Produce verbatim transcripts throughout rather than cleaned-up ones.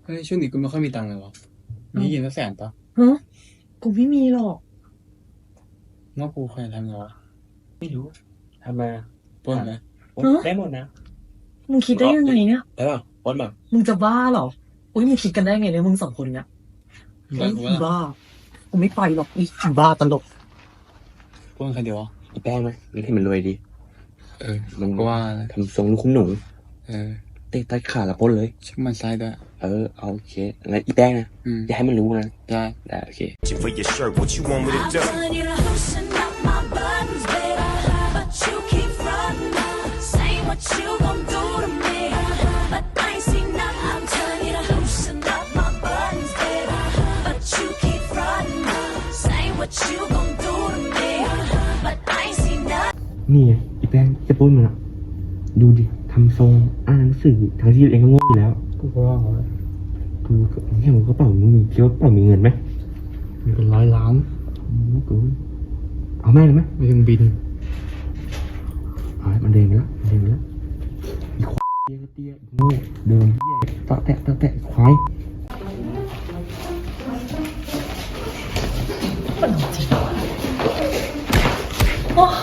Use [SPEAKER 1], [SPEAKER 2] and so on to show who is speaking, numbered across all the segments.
[SPEAKER 1] เฮ้ยช่วงนี้กูไม่ค่อยมีตังค์เลยวะมีกินสักแสนปะ
[SPEAKER 2] ฮะกูไม่มีหรอก
[SPEAKER 1] นอกกูใครทำไงวะ
[SPEAKER 3] ไม่รู้ทำมา
[SPEAKER 1] ปล้นไหม
[SPEAKER 3] ได้หมดนะ
[SPEAKER 2] มึงคิดได้ยังไงเนี่ย
[SPEAKER 3] ได้ป่ะปล้นแบบ
[SPEAKER 2] มึงจะบ้าเหรออุ้ยมึงคิดกันได้ไงเนี่ยมึงสองคนเนี่ยบ้ากูไม่ไปหรอกอีบ้าตลก
[SPEAKER 1] ปล้นใครเดียววะ
[SPEAKER 3] อีแป้งไหมมันให้มันรวยดี
[SPEAKER 1] เออมันก็ว่า
[SPEAKER 3] ทำทรงลูกคุ้มหนู
[SPEAKER 1] เออ
[SPEAKER 3] เตะตัดขาแล้วปล้นเลย
[SPEAKER 1] ชักมันซ้ายด้วย
[SPEAKER 3] เออเอาโอเคงั้นอีแป้งนะอย่าให้มันรู้นะ
[SPEAKER 1] ได้
[SPEAKER 3] ได้โอเคนี่ไงอีแป้งจะปล้นมันอะดูดิทำทรงอ่านหนังสือทั้งที่ตัวเองก็โง่อยู่แล้ว
[SPEAKER 1] กูก็ว่า
[SPEAKER 3] ดูเนี่ยมึงกระเป๋ามึงมีคิดว่ากระเป๋ามีเงินไหม
[SPEAKER 1] มีเป็นร้อยล้าน
[SPEAKER 3] กูเอาแม่เลยไหม
[SPEAKER 1] มีเครื่องบิน
[SPEAKER 3] เอามันเดินไปแล้วมันเดินไปแล้วอีควายเตี้ยเตี้ยโง่เดินเตี้ยตะแตะตะแตะควาย
[SPEAKER 2] โอ้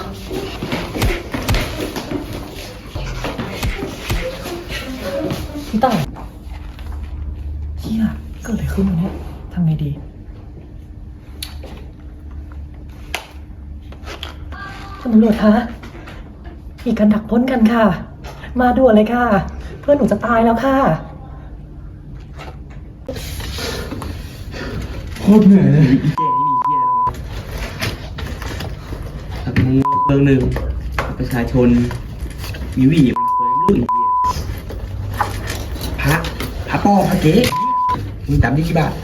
[SPEAKER 2] พี่ต่ายเฮียเกิดอะไรขึ้นวะเนี่ยทำไงดีคุณตำรวจคะมีการดักปล้นกันค่ะมาด่วนเลยค่ะเพื่อนหนูจะตายแล้วค่ะ
[SPEAKER 1] โคตรเหนื่อยเลย
[SPEAKER 3] อีเจ๊นี่มีเหี้ยแล้วมึงเรื่องหนึ่งประชาชนมีวี่มันเคยไม่รู้อีกเหี้ยพระพระป้อพระเก๊มึงตามที่กี่บาท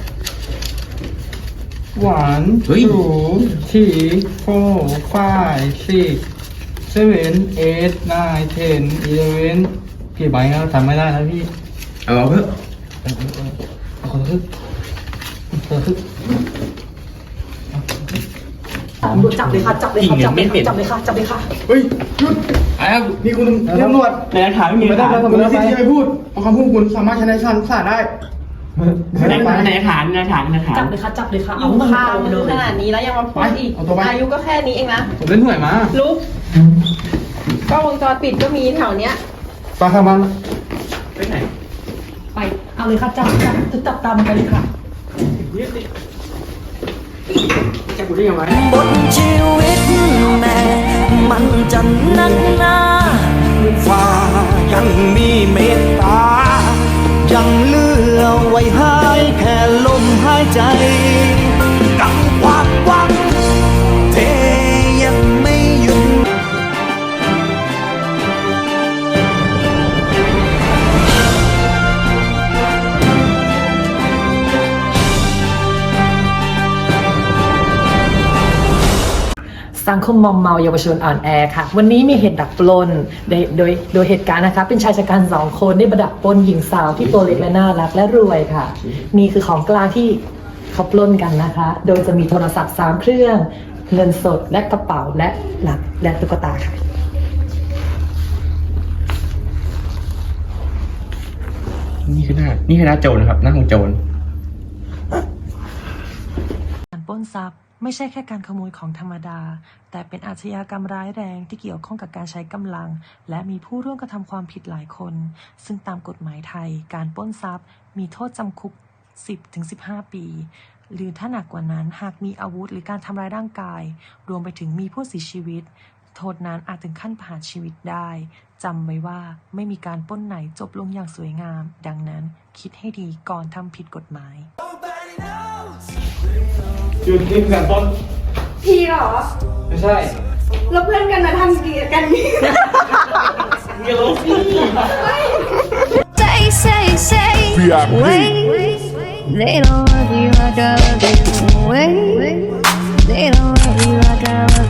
[SPEAKER 1] หวานสูทีโฟไฟซิกเซเว่นเอทไนเทนอีเลเวนกี่ใบแล้วจำไม่ได้แล้วพี่
[SPEAKER 3] เอาเถอะ
[SPEAKER 1] เอาคนละครึ่งคนละครึ่ง
[SPEAKER 2] ตำรวจจับเลยค่ะจับเลยค่ะจับเลยค่ะจับเลยค่ะจับเลยค่ะ
[SPEAKER 1] เฮ้ยหยุดไอ้ครับนี่คุณตำรวจ
[SPEAKER 3] ในหลักฐานไม่มี
[SPEAKER 1] ไม่ได้เราทำอะไรที่ไม่พูดเพราะคำพูดคุณสามารถใช้ในชั้นศาลได้
[SPEAKER 3] ในในฐานในฐานในฐาน
[SPEAKER 2] จับเลยค่ะจับเลยค่ะ
[SPEAKER 4] อยู่ข้าวมันขนาดนี้แล้วยังมาพูดอีกอายุก็แค่นี้เองนะ
[SPEAKER 1] ผมเล่นหวยมา
[SPEAKER 4] ลุกกล้องวงจรปิดก็มีแถวเนี้ย
[SPEAKER 1] ไปทำมัน
[SPEAKER 3] ไปไหน
[SPEAKER 2] ไปเอาเลยค่ะจับจับจับตามไปเลยค่ะ
[SPEAKER 3] จะกูได้ยังไง
[SPEAKER 5] บนชีวิตแม่มันจะนักหนาฟ้ายังมีเมตตายังเหลือไว้ให้แค่ลมหายใจกับความหวังเทยังไม่หยุด
[SPEAKER 2] สังคมมอมเมาเยาวชนอ่อนแอค่ะวันนี้มีเหตุดักปล้นโดยโดยโดยเหตุการณ์นะคะเป็นชายชะกันสองคนได้ประดักปล้นหญิงสาวที่ตัวเล็กและน่ารักและรวยค่ะนี่คือของกลางที่เขาปล้นกันนะคะโดยจะมีโทรศัพท์สามเครื่องเงินสดและกระเป๋าและหลักและตุ๊กตาค่ะ
[SPEAKER 3] นี่คือหน้านี่คือหน้าโจรนะครับหน้าของโจร
[SPEAKER 2] การปล้นทรัพย์ไม่ใช่แค่การขโมยของธรรมดาแต่เป็นอาชญากรรมร้ายแรงที่เกี่ยวข้องกับการใช้กำลังและมีผู้ร่วมกระทำความผิดหลายคนซึ่งตามกฎหมายไทยการปล้นทรัพย์มีโทษจำคุก สิบถึงสิบห้า ปีหรือถ้าหนักกว่านั้นหากมีอาวุธหรือการทำร้ายร่างกายรวมไปถึงมีผู้เสียชีวิตโทษนั้นอาจถึงขั้นประหารชีวิตได้จำไว้ว่าไม่มีการปล้นไหนจบลงอย่างสวยงามดังนั้นคิดให้ดีก่อนทำผิดกฎหมาย
[SPEAKER 1] หยุดนี่การปล้น
[SPEAKER 4] พี่เหรอ
[SPEAKER 1] ไม่ใช่
[SPEAKER 4] แล้วเพื่อนกันมาทำดีกันนี่
[SPEAKER 1] เดี๋ยวพี่
[SPEAKER 5] Say say say wait they don't love you like I love you wait they don't love you like I love you